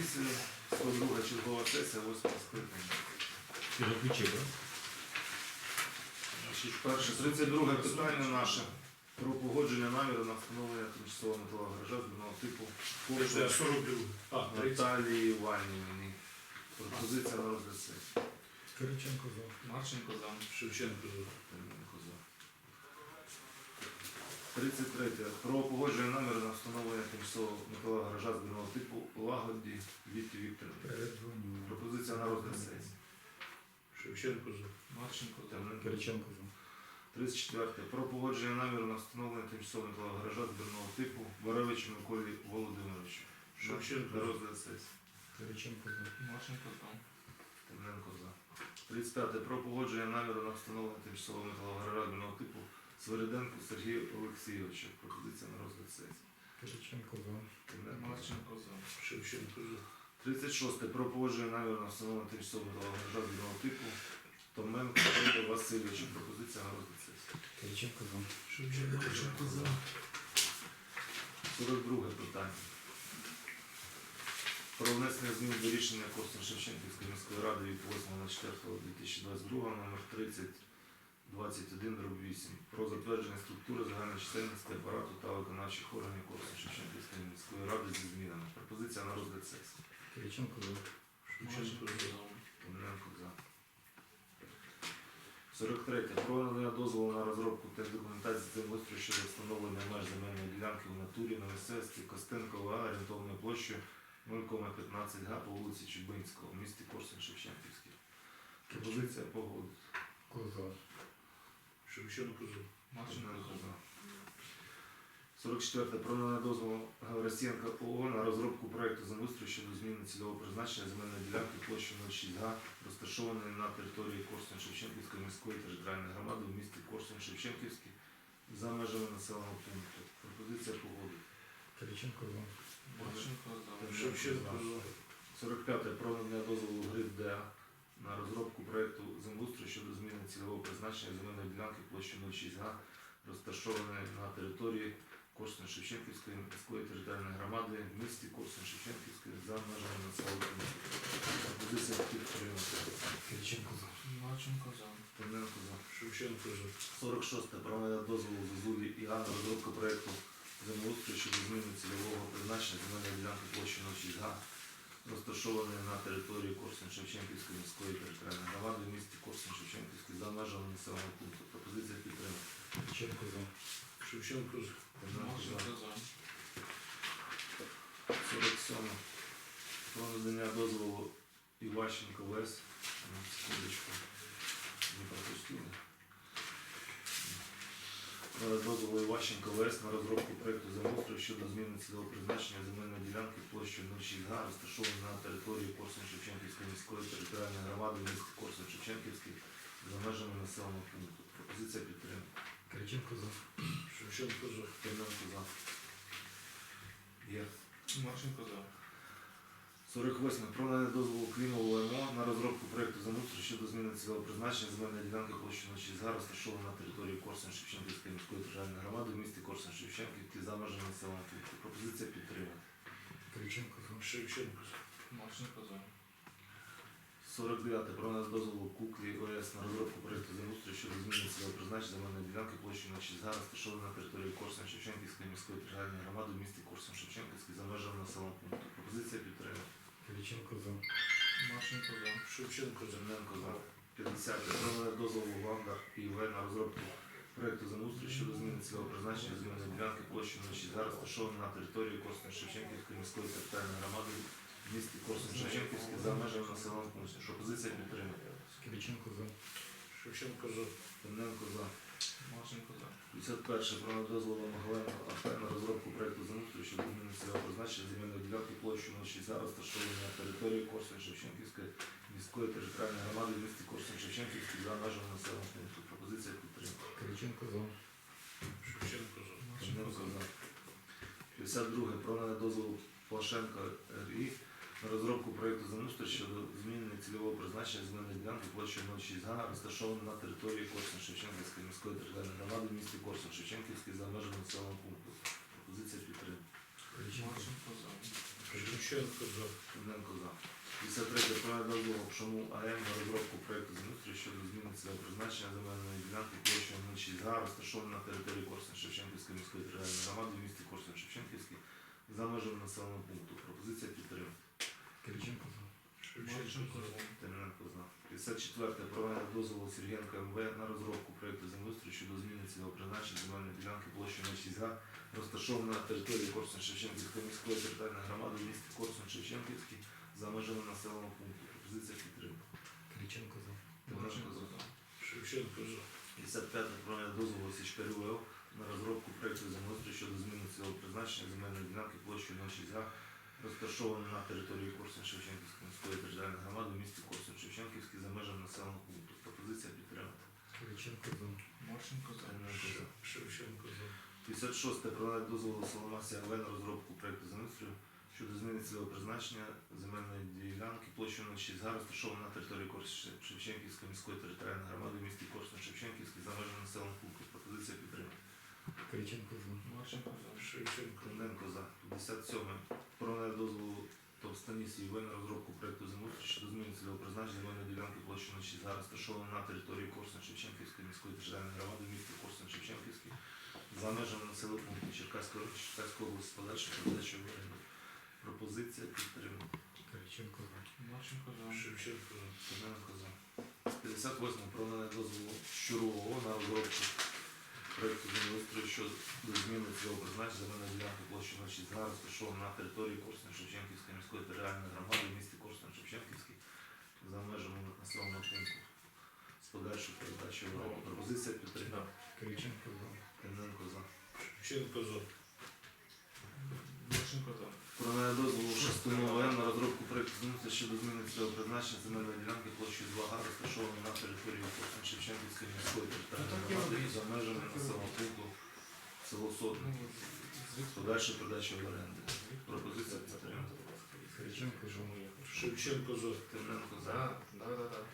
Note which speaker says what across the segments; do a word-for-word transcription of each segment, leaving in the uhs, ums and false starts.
Speaker 1: комісії, сто друга чергова сесія, восьмого скликання. Значить, перше, тридцять друге питання наше про погодження наміру на встановлення тимчасового металового гаража збірного типу
Speaker 2: Це сорок два. А, тридцять.
Speaker 1: Наталії Іванівні. Пропозиція на розгляд сесії.
Speaker 3: Кириченко за.
Speaker 4: Марченко за.
Speaker 2: Шевченко за.
Speaker 1: Тимоненко за. тридцять третє. Про погодження наміру на встановлення тимчасового металового гаража збірного типу Лагоді Віті Вікторівні.
Speaker 3: Передзвоню.
Speaker 1: Пропозиція на розгляд сесії.
Speaker 2: Шевченко за.
Speaker 4: Марченко за.
Speaker 1: Тимоненко.
Speaker 3: Кириченко за.
Speaker 1: тридцять четверте. Про погодження наміру на встановлення тимчасового металового гаража збірного типу Боровичу Миколі Володимировичу.
Speaker 2: Шевченко
Speaker 1: На
Speaker 2: за.
Speaker 1: розгляд сесії.
Speaker 3: Кириченко за.
Speaker 4: Марченко за.
Speaker 1: Тимоненко за. тридцять п'яте. Про погодження наміру на встановлення тимчасового металового гаража збірного типу Свириденку Сергію Олексійовичу. Пропозиція на розгляд сесії.
Speaker 3: Кириченко за.
Speaker 1: Тимоненко за.
Speaker 4: Марченко за.
Speaker 2: Шевченко за.
Speaker 1: тридцять шосте. Про погодження наміру на встановлення тимчасового металового гаража збірного типу Томенко Федора Васильовичу. Пропозиція на розгляд сесії.
Speaker 3: Кириченко за.
Speaker 2: Шевченко за.
Speaker 1: сорок друге питання. Про внесення змін до рішення Корсунь-Шевченківської міської ради від восьмого четвертого дві тисячі двадцять другого номер тридцять двадцять один дріб вісім про затвердження структури загальної чисельності апарату та виконавчих органів Корсунь-Шевченківської міської ради зі змінами. Пропозиція на розгляд сесії.
Speaker 3: Кириченко за.
Speaker 2: Шевченко за.
Speaker 1: Тимоненко за. сорок третє. Про надання дозволу на розробку техдокументації землеустрою щодо встановлення меж земельної ділянки в натурі на місцевості Костенкова орієнтовною площею нуль п'ятнадцять га по вулиці Чубинського в місті Корсунь-Шевченківський. Пропозиція погодити.
Speaker 3: Коза.
Speaker 2: Шевченко за.
Speaker 4: Марченко за.
Speaker 1: сорок четверте. Про надання дозволу Гаврасієнка ООО на розробку проєкту землеустрою щодо зміни цільового призначення земельної ділянки площею нуль шість га, розташованої на території Корсунь-Шевченківської міської територіальної громади в місті Корсунь-Шевченківський за межами населеного пункту. Пропозиція погодити.
Speaker 3: Кириченко за.
Speaker 4: Марченко за.
Speaker 2: Шевченко за.
Speaker 1: сорок п'яте. Про надання дозволу ГРИД ДА на розробку проєкту землеустрою щодо зміни цільового призначення земельної ділянки площею нуль шість га, розташованої на території Корсунь-Шевченківської міської територіальної громади в місті Корсунь-Шевченківський за межами населеного пункту. Пропозиція підтримати.
Speaker 3: Кириченко за.
Speaker 4: Марченко за.
Speaker 1: Тимоненко за.
Speaker 2: Шевченко за.
Speaker 1: сорок шосте. Про надання дозволу Зозулі і на розробку проєкту землеустрою щодо зміни цільового призначення земельної ділянки площі нуль шість га, розташованої на території Корсунь-Шевченківської міської територіальної громади в місті Корсунь-Шевченківський за межами населеного пункту. Пропозиція підтримати.
Speaker 3: Кириченко за.
Speaker 2: Шевченко за.
Speaker 1: Тимоненко за.
Speaker 4: Марченко за.
Speaker 1: сорок сьоме. Про надання дозволу Іващенко ВЕС. На секундочку. Не пропустили. Про дозволу Іващенко ВЕС на розробку проєкту землеустрою щодо зміни цільового призначення земельної ділянки площею нуль шість га, розташованої на території Корсунь-Шевченківської міської територіальної громади в місті Корсунь-Шевченківський за межами населеного пункту. Пропозиція підтримки.
Speaker 3: Кириченко за.
Speaker 2: Шевченко за.
Speaker 1: Тимоненко за. Є.
Speaker 4: Марченко за.
Speaker 1: сорок восьме. Про надання дозволу Клімову МО на розробку проєкту землеустрою щодо зміни цільового призначення земельної ділянки площею нуль шість га, розташованої на території Корсунь-Шевченківської міської територіальної громади в місті Корсунь-Шевченківський за межами населеного пункту. Пропозиція підтримати.
Speaker 3: Кириченко за.
Speaker 2: Шевченко за.
Speaker 4: Марченко за.
Speaker 1: сорок дев'яте. Про надання дозволу Куклі ОС на розробку проєкту землеустрою щодо зміни цільового призначення земельної ділянки площею нуль шість га, розташованої на території Корсунь-Шевченківської міської територіальної громади в місті Корсунь-Шевченківський за межами населеного пункту. Пропозиція підтримати.
Speaker 3: Кириченко за.
Speaker 4: Марченко за.
Speaker 2: Шевченко за.
Speaker 1: Тимоненко за. п'ятдесяте. Про надання дозволу Ванда і В на розробку проєкту землеустрою щодо зміни цільового призначення земельної ділянки площею нуль шість га, розташованої на території Корсунь-Шевченківської міської територіальної громади в місті Корсунь-Шевченківський за межами населеного пункту. Пропозиція підтримати.
Speaker 3: Кириченко за.
Speaker 2: Шевченко за.
Speaker 1: Тимоненко за.
Speaker 4: Марченко за.
Speaker 1: п'ятдесят перше. Про надання дозволу Могиленко АП на розробку проєкту землеустрою щодо зміни цільового призначення земельної ділянки площею нуль шість га, розташованої на території Корсунь-Шевченківської міської територіальної громади в місті Корсунь-Шевченківський за межами населеного пункту. Пропозиція підтримки.
Speaker 3: Кириченко за.
Speaker 2: Шевченко за.
Speaker 4: Марченко за.
Speaker 1: п'ятдесят друге. Про надання дозволу Плашенко РІ на розробку проєкту землеустрою щодо зміни цільового призначення земельної ділянки площею нуль шість га, розташованої на території Корсунь-Шевченківської міської територіальної громади в місті Корсунь-Шевченківський за межами населеного пункту. Пропозиція підтримки.
Speaker 3: Кириченко за.
Speaker 4: Марченко за.
Speaker 2: Шевченко за.
Speaker 1: Тимненко за. п'ятдесят третє. Про дозволу Пшому АМ на розробку проєкту землеустрою щодо зміни цільового призначення земельної ділянки площею нуль шість га, розташованої на території Корсунь-Шевченківської міської територіальної громади в місті Корсунь-Шевченківський за межами населеного пункту. Пропозиція підтримки.
Speaker 3: Кириченко за.
Speaker 2: Шевченко за.
Speaker 1: Тимненко за. п'ятдесят четверте. Проведення дозволу Сергієнка ем ве на розробку проєкту землеустрою щодо зміни цільового призначення земельної ділянки площею нуль шість га, розташована на території Корсунь-Шевченківської міської територіальної громади в місті Корсунь-Шевченківський за межами населеного пункту. Пропозиція підтримки.
Speaker 3: Кириченко за.
Speaker 1: Тимненко за.
Speaker 2: Шевченко за.
Speaker 1: п'ятдесят п'яте. Проведення дозволу Січкарю ВО на розробку проєкту землеустрою щодо зміни цільового призначення земельної ділянки площею нуль шість га, розташованої на території Корсунь-Шевченківської міської територіальної громади в місті Корсунь-Шевченківський за межами населеного пункту. Пропозиція підтримати.
Speaker 3: Кириченко за.
Speaker 4: Марченко за.
Speaker 1: Тимненко за.
Speaker 2: Шевченко за.
Speaker 1: п'ятдесят шосте. Проведення дозволу Соломасі АВ на розробку проєкту землеустрою щодо зміни цільового призначення земельної ділянки площею нуль шість га, розташованої на території Корсунь-Шевченківської міської територіальної громади в місті Корсунь-Шевченківський за межами населеного пункту. Пропозиція підтримати.
Speaker 3: Кириченко за.
Speaker 4: Марченко за.
Speaker 2: Шевченко за.
Speaker 1: Тимненко за. п'ятдесят сьоме. Проведення дозволу Товстанісі ІВ на розробку проєкту землеустрою щодо зміни цільового призначення земельної ділянки площею нуль шість га, розташованої на території Корсунь-Шевченківської міської територіальної громади в місті Корсунь-Шевченківський за межами населеного пункту Черкаської Черкаської області з подальшою передачею в оренду. Пропозиція підтримана.
Speaker 3: Кириченко за.
Speaker 4: Марченко за.
Speaker 2: Шевченко за.
Speaker 1: Тимненко за. п'ятдесят восьме. Проведення дозволу Щурового на розробку проєкту землеустрою щодо зміни цільового призначення земельної ділянки площею нуль шість га, розташованої на території Корсунь-Шевченківської міської територіальної громади в місті Корсунь-Шевченківський за межами населеного пункту з подальшою передачею в оренду. Пропозиція підтримана.
Speaker 3: Кириченко за.
Speaker 1: Тимненко за.
Speaker 2: Шевченко за.
Speaker 4: Марченко за.
Speaker 1: Про надання дозволу Шастуну ОМ на розробку проєкту землеустрою щодо зміни цільового призначення земельної ділянки площею два га, розташованої на території Корсунь-Шевченківської міської територіальної громади за межами населеного пункту село Сотне з подальшою передачею в оренду. Пропозиція підтримана.
Speaker 3: Кириченко за.
Speaker 2: Шевченко за.
Speaker 1: Тимненко за.
Speaker 4: Да, да, да, да.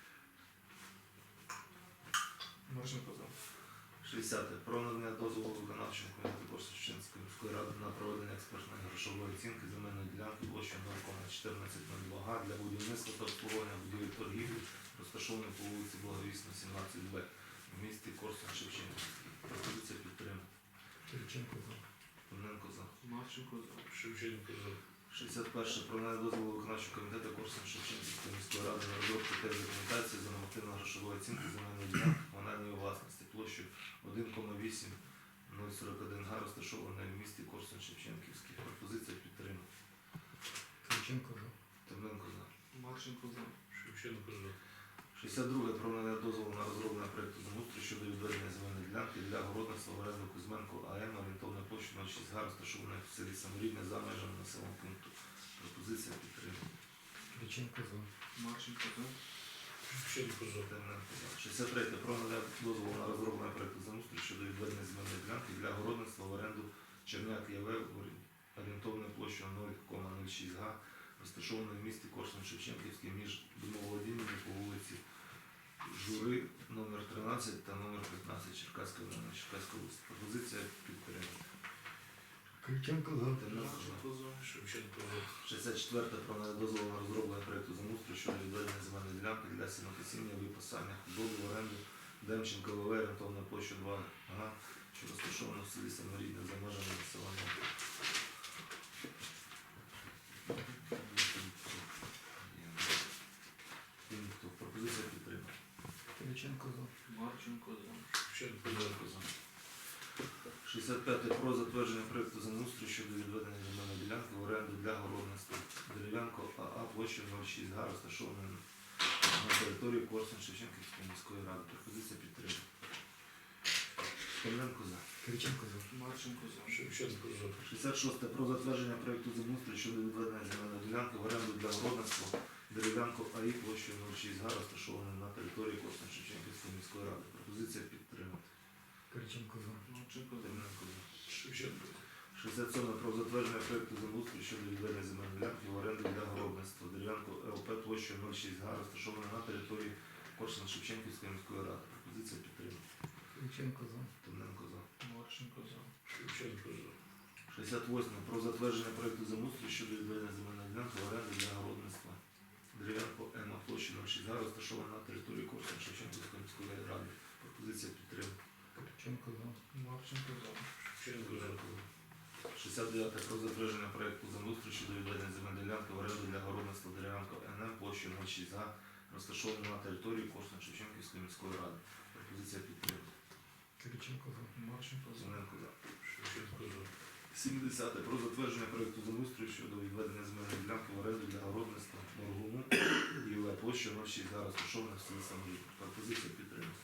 Speaker 4: Марченко за.
Speaker 1: шістдесяте. Про надання дозволу виконавчому комітету Корсунь-Шевченківської міської ради на проведення експертної грошової оцінки земельної ділянки площею нуль чотирнадцять нуль два га для будівництва та обслуговування будівель торгівлі, розташованої по вулиці Благовісна, сімнадцять Б в місті Корсунь-Шевченківський. Пропозиція підтримана.
Speaker 3: Кириченко за.
Speaker 1: Тимненко за.
Speaker 4: Марченко за.
Speaker 2: Шевченко за.
Speaker 1: шістдесят перше. Про надання дозволу виконавчого комітету Корсунь-Шевченківської міської ради на розробку та документації за нормативно-грошової оцінки земельної ділянки комунальної власності площею один вісім нуль сорок один га, розташованої в місті Корсунь-Шевченківський. Пропозиція підтримана.
Speaker 3: Кириченко за.
Speaker 1: Тимненко за.
Speaker 4: Марченко за.
Speaker 2: Шевченко за.
Speaker 1: шістдесят друге. Про надання дозволу на розроблення проєкту землеустрою щодо відведення земельної ділянки для городництва в оренду Кузьменко АМ орієнтовною площею нуль шість га, розташованої в селі Саморідне за межами населеного пункту. Пропозиція підтримана.
Speaker 3: Кириченко за.
Speaker 4: Марченко за.
Speaker 2: Шевченко за.
Speaker 1: Тимненко за. шістдесят третє. Про надання дозволу на розроблення проєкту землеустрою щодо відведення земельної ділянки для городництва в оренду Черняк ЯВ орієнтовною площею нуль нуль шість га, розташованої в місті Корсунь-Шевченківський між домоволодіннями по вулиці Жури номер тринадцять та номер п'ятнадцять Черкаської району Черкаської області. Пропозиція підтримана.
Speaker 3: Кириченко за.
Speaker 1: Тимненко за.
Speaker 4: Марченко за.
Speaker 2: Шевченко за.
Speaker 1: шістдесят четверте. Про надання дозволу на розроблення проєкту землеустрою щодо відведення земельної ділянки для сінокосіння і випасання худоби в оренду Демченко ВВ орієнтовною площею два га, що розташовано в селі Саморідне за межами населеного пункту. Пропозиція підтримана.
Speaker 3: Кириченко за.
Speaker 4: Марченко за.
Speaker 2: Шевченко за.
Speaker 1: шістдесят п'яте. Про затвердження проєкту землеустрою щодо відведення земельної ділянки в оренду для городництва Дерев'янко АА площею нуль шість га, розташованої на території Корсунь-Шевченківської міської ради. Пропозиція підтримана. Тимненко за.
Speaker 3: Кириченко за.
Speaker 4: Марченко за.
Speaker 2: Шевченко за.
Speaker 1: шістдесят шосте. Про затвердження проєкту землеустрою щодо відведення земельної ділянки в оренду для городництва Дерев'янко АІ площею нуль шість га, розташованої на території Корсунь-Шевченківської міської ради. Пропозиція підтримана.
Speaker 3: Кириченко за.
Speaker 4: Марченко за.
Speaker 1: Тимненко за.
Speaker 2: Шевченко.
Speaker 1: шістдесят сьоме. Про затвердження проєкту землеустрою щодо відведення земельної ділянки в оренду для городництва Дерев'янко ЛП площею нуль шість га, розташованої на території Корсунь-Шевченківської міської ради. Пропозиція підтримана.
Speaker 3: Кириченко за.
Speaker 1: Тимненко за.
Speaker 4: Марченко за.
Speaker 2: Шевченко за.
Speaker 1: шістдесят восьме. Про затвердження проекту землеустрою щодо відведення земельної ділянки в оренду для городництва. Дерев'янко М, площа ноль шість га, розташована на території Корсунь-Шевченківської міської ради. Пропозиція підтримки.
Speaker 3: Кириченко за.
Speaker 4: Марченко за.
Speaker 2: Шевченко за.
Speaker 1: шістдесят дев'яте. Про затвердження проекту землеустрою щодо відведення земельної ділянки в оренду для городництва Дерев'янко Н М, площа ноль шість га, розташована на території Корсунь-Шевченківської міської ради. Пропозиція підтримки.
Speaker 3: Кириченко за.
Speaker 4: Марченко за.
Speaker 1: Зеленко за.
Speaker 2: Шевченко за.
Speaker 1: сімдесяте. Про затвердження проекту землеустрою щодо відведення земельної ділянки в оренду для городництва Моргуну І В, площа ноль шість га, розташована в селі Самарі. Пропозиція підтримки.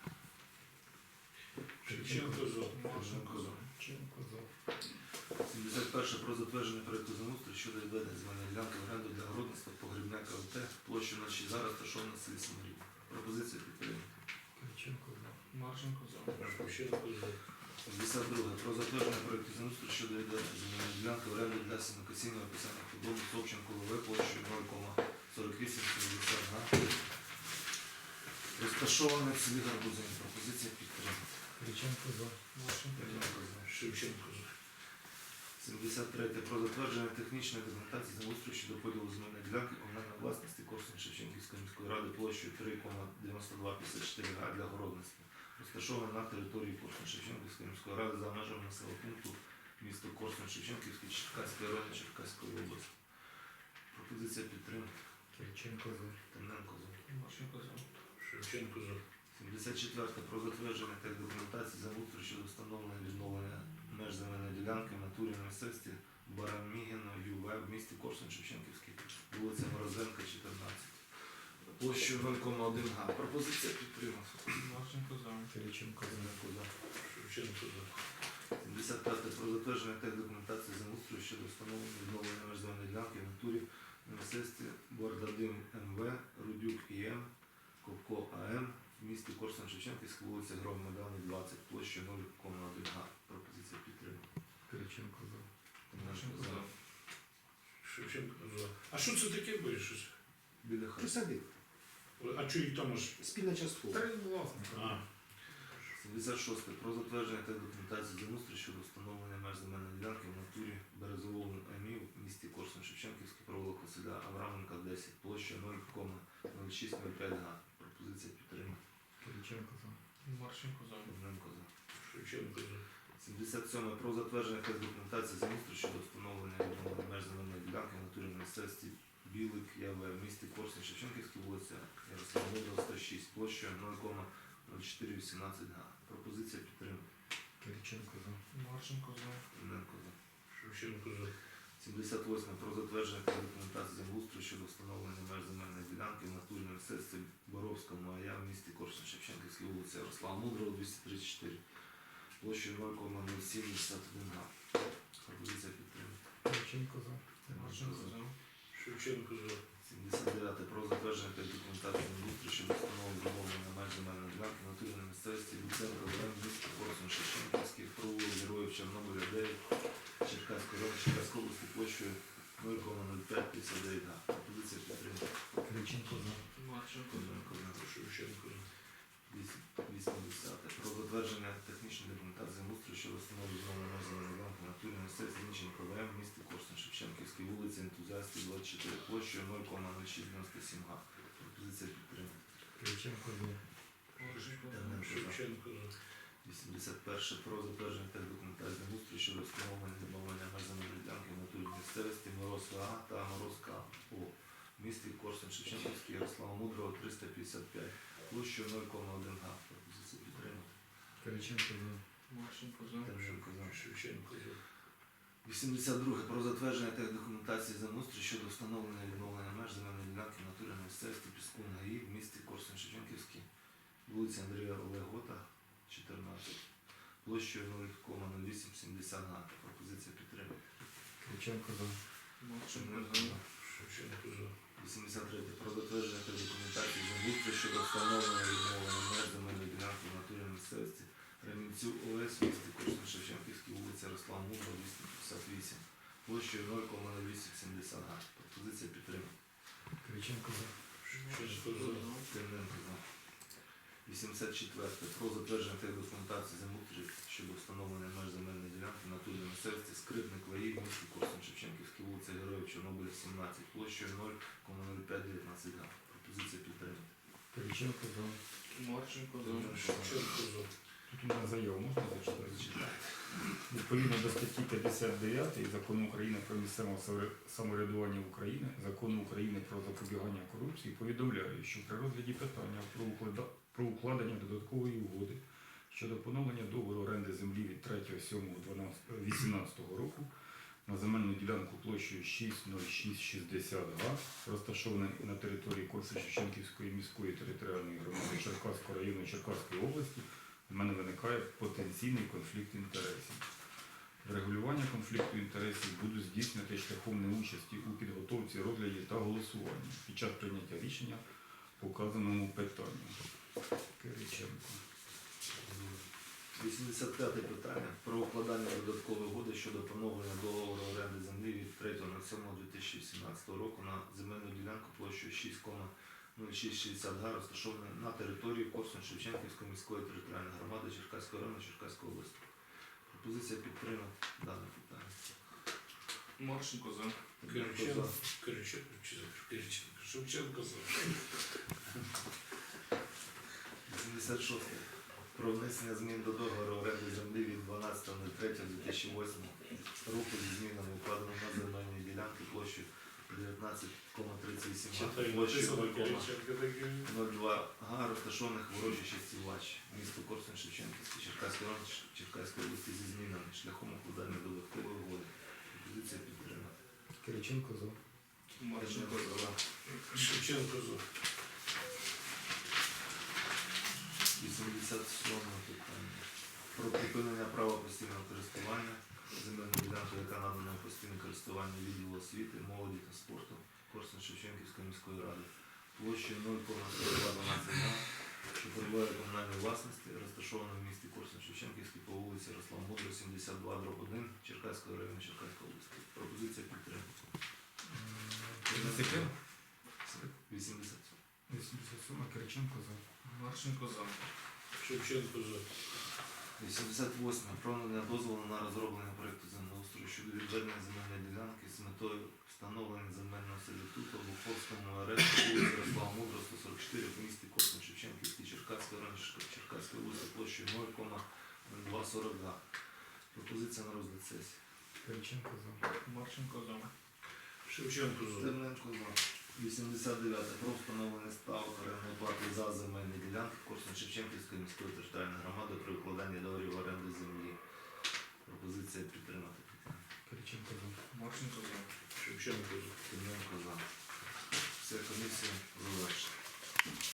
Speaker 2: Шевченко за.
Speaker 4: Марченко за.
Speaker 3: Кириченко за.
Speaker 1: сімдесят перше. Про затвердження проекту землеустрою щодо відведення земельної ділянки в оренду для городництва Погрібня КВТ, площа ноль шість га, розташована в селі Самарі. Пропозиція підтримки.
Speaker 3: Кириченко за.
Speaker 4: Марченко за.
Speaker 2: Шевченко за.
Speaker 1: сімдесят друге. Про затвердження проекту землеустрою щодо відведення земельної ділянки в оренду для сінокосінного описання худоби Собченко ЛВ, площею нуль кома сорок вісім сімдесят га, розташована в селі Гарбузин. Пропозиція підтримки.
Speaker 3: Кириченко за.
Speaker 4: Марченко за.
Speaker 2: Шевченко за.
Speaker 1: сімдесят третє. Про затвердження технічної документації землеустрою щодо поділу земельної ділянки комунальної власності Корсунь-Шевченківської міської ради площею три кома дев'яносто два п'ятдесят чотири га для городництва, розташована на території Корсунь-Шевченківської міської ради за межами населеного пункту місто Корсунь-Шевченківський Черкаської району Черкаської області. Пропозиція підтримки.
Speaker 3: Кириченко за.
Speaker 1: Темненко за.
Speaker 4: Марченко за.
Speaker 2: Шевченко за.
Speaker 1: сімдесят четверте. Про затвердження тех документації землеустрою щодо встановлення і відновлення меж земельної ділянки в натурі на місцевості Барамігіно Ю В в місті Корсунь-Шевченківський, вулиця Морозенка, чотирнадцять. Площею нуль кома один га. Пропозиція підтримана.
Speaker 4: Марченко за.
Speaker 3: Кириченко за.
Speaker 1: Темненко за.
Speaker 2: Шевченко за.
Speaker 1: сімдесят п'яте. Про затвердження тех документації землеустрою щодо встановлення і відновлення меж земельної ділянки в натурі на місцевості Бардадим М В, Рудюк І М, Ковко А М в місті Корсунь-Шевченківська, вулиця Громадани, двадцять, площа нуль кома один га. Пропозиція підтримана.
Speaker 3: Кириченко за.
Speaker 4: Марченко за.
Speaker 2: Шевченко за. А що це таке буде щось?
Speaker 1: Біля хати.
Speaker 5: Присадив.
Speaker 2: А чого їх там аж?
Speaker 5: Спільна часткова.
Speaker 3: Та й власник.
Speaker 2: А,
Speaker 1: сімдесят шосте. Про затвердження та документації землеустрою щодо встановлення меж земельної ділянки в натурі Березовому ЕМІ в місті Корсунь-Шевченківський, провулок Василя Авраменка, десять, площа нуль кома нуль шість нуль п'ять га. Пропозиція підтримана.
Speaker 3: Кириченко за.
Speaker 4: Марченко за.
Speaker 1: Темненко за.
Speaker 2: Шевченко за.
Speaker 1: сімдесят сьоме. Про затвердження та документації землеустрою щодо встановлення і відновлення меж земельної ділянки в натурі на місцевості Білик ЯВ в місті Корсунь-Шевченківський, вулиця Ярослава Мудрого, сто шість, площа нуль кома нуль чотири вісімнадцять га. Пропозиція підтримана.
Speaker 3: Кириченко за.
Speaker 4: Марченко за.
Speaker 1: Темненко за.
Speaker 2: Шевченко за.
Speaker 1: сімдесят восьме. Про затвердження та документації землеустрою щодо встановлення меж земельної ділянки в натурі на місцевості Боровському АЯ в місті Корсунь-Шевченківській, вулиця Ярослава Мудрого, двісті тридцять чотири, площею нуль кома нуль сім вісімдесят один га. Пропозиція підтримана.
Speaker 3: Кириченко за.
Speaker 4: Марченко за.
Speaker 2: Шевченко за.
Speaker 1: сімдесят дев'яте. Про затвердження та документації землеустрою щодо встановлення відновлення меж земельної ділянки в натурі на місцевості Луценко ВМ в місті Корсунь-Шевченківський, провулок Героїв Чорнобиля, дев'ять, Черкаської району Черкаської області, площею нуль кома нуль п'ять п'ятдесят дев'ять га. Пропозиція підтримана.
Speaker 3: Кириченко за.
Speaker 4: Марченко за.
Speaker 2: Шевченко за.
Speaker 1: вісімдесяте. Про затвердження технічної документації землеустрою щодо встановлення відновлення меж земельної ділянки в натурі на місцевості Зінченко ВМ в місті Корсунь-Шевченківській, вулиця Ентузіастів, двадцять чотири, площею нуль кома нуль шість дев'яносто сім га. Пропозиція підтримана.
Speaker 3: Кириченко за.
Speaker 4: Марченко за.
Speaker 2: Шевченко за.
Speaker 1: вісімдесят перше. Про затвердження тех документації землеустрою щодо встановлення відновлення меж земельної ділянки в натурі на місцевості Морозка А та Морозка О в місті Корсунь-Шевченківський, Ярослава Мудрого, триста п'ятдесят п'ять, площею нуль кома один га. Пропозиція підтримана.
Speaker 3: Кириченко за.
Speaker 4: Марченко за.
Speaker 1: Темненко за.
Speaker 2: Шевченко за.
Speaker 1: вісімдесят друге. Про затвердження тех документації землеустрою щодо встановлення і відновлення меж земельної ділянки в натурі на місцевості Піскун ГАІ в місті Корсунь-Шевченківський, вулиця Андрія Олегота, чотирнадцять, площею нуль кома нуль вісім сімдесят га. Пропозиція підтримки.
Speaker 3: Кириченко за.
Speaker 4: Марченко за.
Speaker 2: Шевченко за.
Speaker 1: вісімдесят третє. Про затвердження тех документації землеустрою щодо встановлення і відновлення меж земельної ділянки в натурі на місцевості Ремінців ОС в місті Корсунь-Шевченківський, вулиця Ярослава Мудрого, двісті п'ятдесят вісім, площею нуль кома нуль вісім сімдесят га. Пропозиція підтримки.
Speaker 3: Кириченко за.
Speaker 2: Шевченко за.
Speaker 1: Темненко за. вісімдесят четверте. Про затвердження та документації землеустрою щодо встановлення меж земельної ділянки на турі місцевості Скрипник Ваї, місті Корсун, Шевченківській вулиця Героїв Чорнобиля, сімнадцять, площею нуль кoma нуль п'ять дев'ятнадцять га. Пропозиція підтримати.
Speaker 3: Кириченко за.
Speaker 4: Марченко за.
Speaker 2: Шевченко за.
Speaker 3: Тут у мене заяву можна зачитати?
Speaker 1: Зачитайте.
Speaker 3: Відповідно до статті п'ятдесят дев'ять Закону України про місцеве самовря- самоврядування України, Закону України про запобігання корупції, повідомляю, що при розгляді питання про, уклада- про укладення додаткової угоди щодо поновлення договору оренди землі від третього сьомого вісімнадцятого року на земельну ділянку площею шість нуль шість шістдесят га, розташованої на території Корсунь-Шевченківської міської територіальної громади Черкаського району Черкаської області, у мене виникає потенційний конфлікт інтересів. Врегулювання конфлікту інтересів буду здійснювати шляхом неучасті у підготовці, розгляді та голосуванні під час прийняття рішення по вказаному питанню. Кириченко.
Speaker 1: вісімдесят п'яте питання про укладання додаткової угоди щодо поновлення договору оренди землі від третього сьомого дві тисячі сімнадцятого року на земельну ділянку площею шість кoma нуль шість шістдесят га, розташованої на території Корсунь-Шевченківської міської територіальної громади Черкаського району Черкаської області. Пропозиція підтримати дане питання.
Speaker 4: Марченко за.
Speaker 2: Кириченко. Кириченко. Чи за? Кириченко. Шевченко за.
Speaker 1: вісімдесят шосте. Про внесення змін до договору оренди землі від дванадцятого третього дві тисячі восьмого року зі змінами укладено на земельні ділянки площею дев'ятнадцять кoma тридцять вісім га,
Speaker 2: Читай,
Speaker 1: площею
Speaker 2: написано
Speaker 1: нуль кoma
Speaker 2: Кириченко таке.
Speaker 1: нуль два га, розташованих в урочищі Сівач, місто Корсунь-Шевченківський, Черкаський район Черкаської області зі змінами шляхом укладання додаткової угоди. Пропозиція підтримати.
Speaker 3: Кириченко за.
Speaker 4: Марченко за.
Speaker 2: Шевченко за.
Speaker 1: вісімдесят сьоме питання. Про припинення права постійного користування земельною ділянкою, яка надана у постійне користування відділу освіти, молоді та спорту Корсунь-Шевченківської міської ради. Площею нуль кoma сорок два дванадцять га, що перебуває в комунальній власності, розташована в місті Корсунь-Шевченківський по вулиці Ярослава Мудрого, сімдесят два дроб один, Черкаського району Черкаської області. Пропозиція підтримки. вісімдесят сьоме.
Speaker 3: вісімдесят сьоме. Кириченко за.
Speaker 4: Марченко за.
Speaker 2: Шевченко за.
Speaker 1: вісімдесят восьме. Про надання дозволу на розроблення проєкту землеустрою щодо відведення земельної ділянки з метою встановлення земельного сервітуту в Уховському арешті вулиці Ярослава Мудрого, сто сорок чотири в місті Корсунь-Шевченківський, Черкаський район Черкаської області площею нуль кoma нуль два сорок га. Пропозиція на розгляд сесії.
Speaker 3: Кириченко за.
Speaker 4: Марченко за.
Speaker 2: Шевченко за.
Speaker 1: Стерненко за. вісімдесят дев'яте. Про встановлення ставок орендної плати за земельні ділянки Корсунь-Шевченківської міської територіальної громади при укладанні договорів оренди землі. Пропозиція підтримати.
Speaker 3: Кириченко за.
Speaker 4: Марченко за.
Speaker 2: Шевченко за.
Speaker 1: Стерненко за. Вся комісія за.